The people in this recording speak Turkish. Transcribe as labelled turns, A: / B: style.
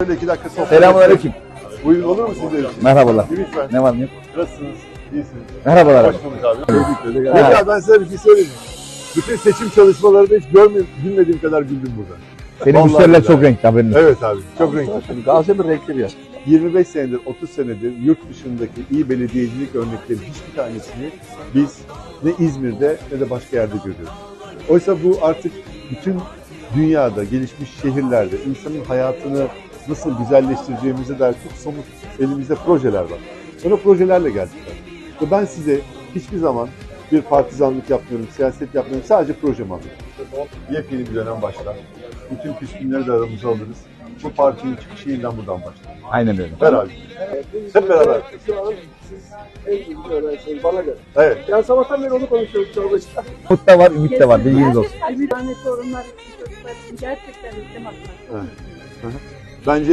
A: Böyle 2 dakika sohbet
B: Selamünaleyküm.
A: Buyurun, olur mu sizler için?
B: Merhabalar.
A: Lütfen.
B: Ne var ne yok?
A: Nasılsınız? İyisiniz.
B: Merhabalar abi.
A: Hoş bulduk abi. Ya ben size bir şey söyleyeyim. Bütün seçim çalışmalarında hiç gülmediğim kadar güldüm burada.
B: Senin
A: Vallahi
B: müşteriler
A: billahi.
B: çok renkli haberin olsun.
A: Evet abi, çok renkli.
B: Gaziantep renkli bir yer.
A: 25 senedir, 30 senedir yurt dışındaki iyi belediyecilik örnekleri hiçbir tanesini biz ne İzmir'de ne de başka yerde görüyoruz. Oysa bu artık bütün dünyada, gelişmiş şehirlerde insanın hayatını nasıl güzelleştireceğimize dair çok somut elimizde projeler var. Sonra projelerle geldiler. Ve ben size hiçbir zaman bir partizanlık yapmıyorum, siyaset yapmıyorum, sadece projemi alıyorum. Yepyeni bir dönem başlar. Bütün küskünleri de aramıza alırız. Bu partinin çıkışı yeniden buradan başlar.
B: Aynen öyle.
A: Beraber. Hep beraber.
C: Şu an siz en iyi öğrencisiniz bana göre.
A: Evet.
C: Yani sabahtan beri onu konuşuyoruz çalışta.
B: Umut da var, ümit de var. Bilginiz olsun.
D: Bir tane sorunlar çocuklar için gerçekten ülkem atmak.
A: Evet. Bence